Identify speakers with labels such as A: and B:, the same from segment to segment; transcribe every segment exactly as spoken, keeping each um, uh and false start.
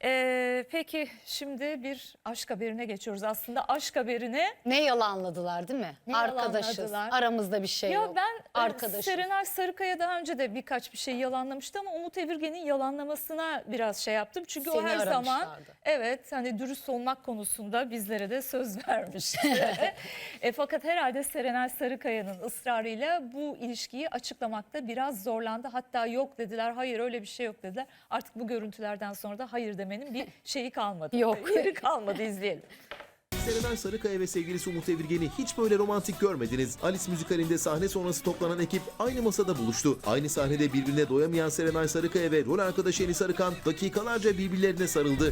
A: Ee, peki şimdi bir aşk haberine geçiyoruz. Aslında aşk haberine
B: Ne yalanladılar değil mi?
A: Ne
B: Arkadaşız.
A: yalanladılar?
B: Aramızda bir şey
A: ya
B: yok.
A: ben
B: Arkadaşız.
A: Serenay Sarıkaya daha önce de birkaç bir şey yalanlamıştı ama Umut Evirgen'in yalanlamasına biraz şey yaptım. Çünkü o
B: Seni
A: her zaman
B: aramışlardı.
A: evet hani dürüst olmak konusunda bizlere de söz vermiş. e, fakat herhalde Serenay Sarıkaya'nın ısrarıyla bu ilişkiyi açıklamakta biraz zorlandı. Hatta yok dediler, hayır öyle bir şey yok dediler. Artık bu görüntülerden sonra da hayır demenin bir şeyi kalmadı.
B: Yok.
A: Yeri kalmadı, izleyelim.
C: Serenay Sarıkaya ve sevgilisi Umut Evirgen'i hiç böyle romantik görmediniz. Alice müzikalinde sahne sonrası toplanan ekip aynı masada buluştu. Aynı sahnede birbirine doyamayan Serenay Sarıkaya ve rol arkadaşı Enis Arıkan dakikalarca birbirlerine sarıldı.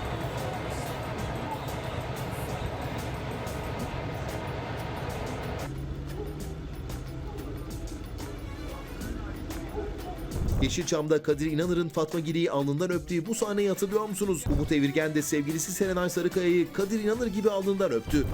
C: Yeşilçam'da Kadir İnanır'ın Fatma Giri'yi alnından öptüğü bu sahneyi hatırlıyor musunuz? Umut Evirgen de sevgilisi Serenay Sarıkaya'yı Kadir İnanır gibi alnından öptü.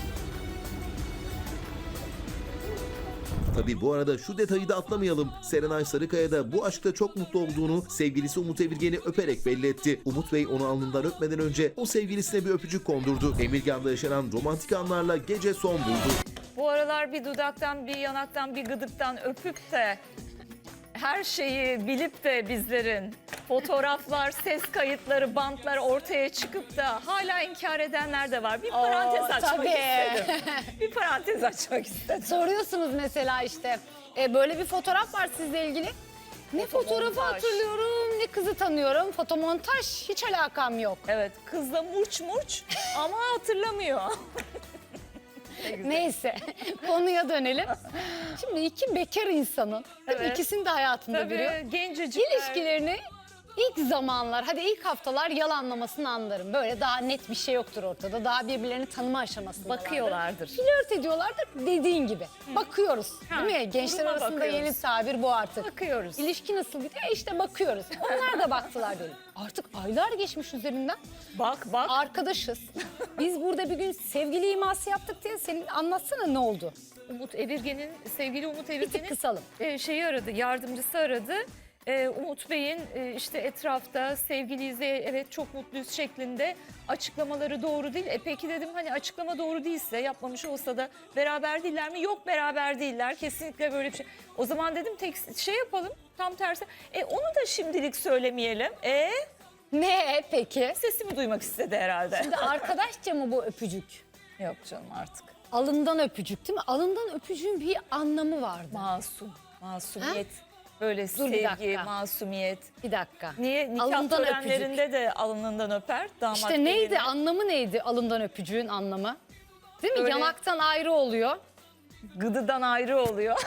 C: Tabi bu arada şu detayı da atlamayalım. Serenay Sarıkaya da bu aşkta çok mutlu olduğunu sevgilisi Umut Evirgen'i öperek belli etti. Umut Bey onu alnından öpmeden önce o sevgilisine bir öpücük kondurdu. Emirgan'da yaşanan romantik anlarla gece son buldu.
A: Bu aralar bir dudaktan, bir yanaktan, bir gıdıktan öpüp de her şeyi bilip de bizlerin fotoğraflar, ses kayıtları, bantlar ortaya çıkıp da hala inkar edenler de var. Bir parantez
B: Oo,
A: açmak
B: tabii.
A: istedim. Bir parantez açmak istedim.
B: Soruyorsunuz mesela işte e, böyle bir fotoğraf var sizle ilgili. Ne fotoğrafı
A: Fotomontaj.
B: hatırlıyorum ne kızı tanıyorum. Fotomontaj hiç alakam yok.
A: Evet, kızla murç murç ama hatırlamıyor.
B: Neyse konuya dönelim. Şimdi iki bekar insanın değil mi?
A: Evet.
B: İkisini de hayatında görüyor.
A: Tabii gencecikler.
B: İlişkilerini ilk zamanlar, hadi ilk haftalar yalanlamasını anlarım. Böyle daha net bir şey yoktur ortada. Daha birbirlerini tanıma aşamasında.
A: Bakıyorlardır.
B: Flört ediyorlardır dediğin gibi. Bakıyoruz
A: Ha,
B: değil mi? Gençler
A: duruma
B: arasında
A: bakıyoruz.
B: yeni tabir bu artık.
A: Bakıyoruz.
B: İlişki nasıl gidiyor? E işte bakıyoruz. Onlar da baktılar diyelim. Artık aylar geçmiş üzerinden.
A: Bak bak.
B: Arkadaşız. Biz burada bir gün sevgili iması yaptık diye senin anlatsana ne oldu?
A: Umut Evirgen'in, sevgili Umut
B: Bir tık
A: Evirgen'in
B: kısalım.
A: e, şeyi aradı, yardımcısı aradı. E, Umut Bey'in e, işte etrafta sevgiliyiz, e, evet çok mutluyuz şeklinde açıklamaları doğru değil. E peki dedim, hani açıklama doğru değilse, yapmamış olsa da beraber değiller mi? Yok, beraber değiller. Kesinlikle böyle bir şey. O zaman dedim tek şey yapalım, tam tersi. E onu da şimdilik söylemeyelim. E
B: Ne peki?
A: sesimi duymak istedi herhalde.
B: Şimdi arkadaşça mı bu öpücük?
A: Yok canım artık.
B: Alından öpücük değil mi? Alından öpücüğün bir anlamı vardı.
A: Masum, masumiyet. Böyle
B: bir
A: sevgi,
B: dakika.
A: masumiyet.
B: Bir dakika.
A: Niye? Nikah
B: Alından
A: törenlerinde de alnından öper damat
B: İşte neydi?
A: gelini.
B: Anlamı neydi alından öpücüğün anlamı? Değil mi?
A: Öyle.
B: Yanaktan ayrı oluyor.
A: Gıdıdan ayrı oluyor.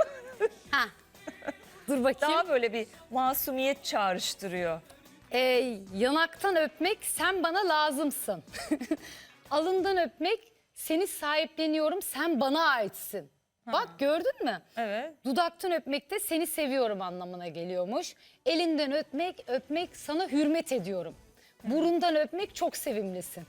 B: Ha. Dur bakayım.
A: Daha böyle bir masumiyet çağrıştırıyor.
B: Ee, yanaktan öpmek sen bana lazımsın. Alından öpmek seni sahipleniyorum sen bana aitsin. Bak gördün mü?
A: Evet.
B: Dudaktan öpmek de seni seviyorum anlamına geliyormuş. Elinden öpmek, öpmek sana hürmet ediyorum. Burundan öpmek çok sevimlisin.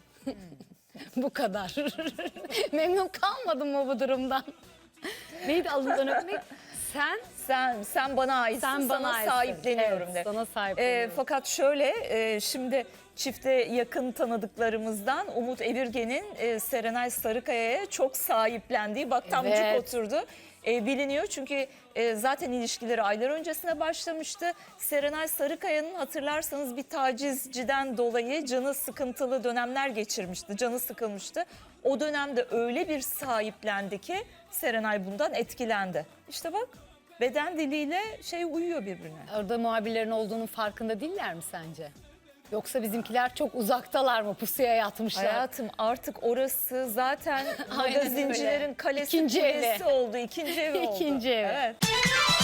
B: Bu kadar. Memnun kalmadın mı bu durumdan? Neydi alından öpmek? Sen
A: Sen sen bana aitsin,
B: sen bana
A: sana
B: aitsin.
A: sahipleniyorum
B: Evet,
A: de.
B: sana
A: Ee,
B: sahipleniyorum.
A: fakat şöyle e, şimdi çifte yakın tanıdıklarımızdan Umut Evirgen'in e, Serenay Sarıkaya'ya çok sahiplendiği, bak tamcık
B: Evet.
A: oturdu. E, biliniyor çünkü e, zaten ilişkileri aylar öncesine başlamıştı. Serenay Sarıkaya'nın hatırlarsanız bir tacizciden dolayı canı sıkıntılı dönemler geçirmişti. Canı sıkılmıştı. O dönemde öyle bir sahiplendi ki Serenay bundan etkilendi. İşte bak, beden diliyle şey uyuyor birbirine.
B: Orada muhabirlerin olduğunun farkında değiller mi sence? Yoksa bizimkiler çok uzaktalar mı? Pusuya yatmışlar.
A: Hayatım artık orası zaten
B: Aynen
A: magazincilerin
B: öyle.
A: kalesi
B: İkinci evi.
A: kulesi oldu. İkinci evi oldu.
B: İkinci evi.
A: Evet.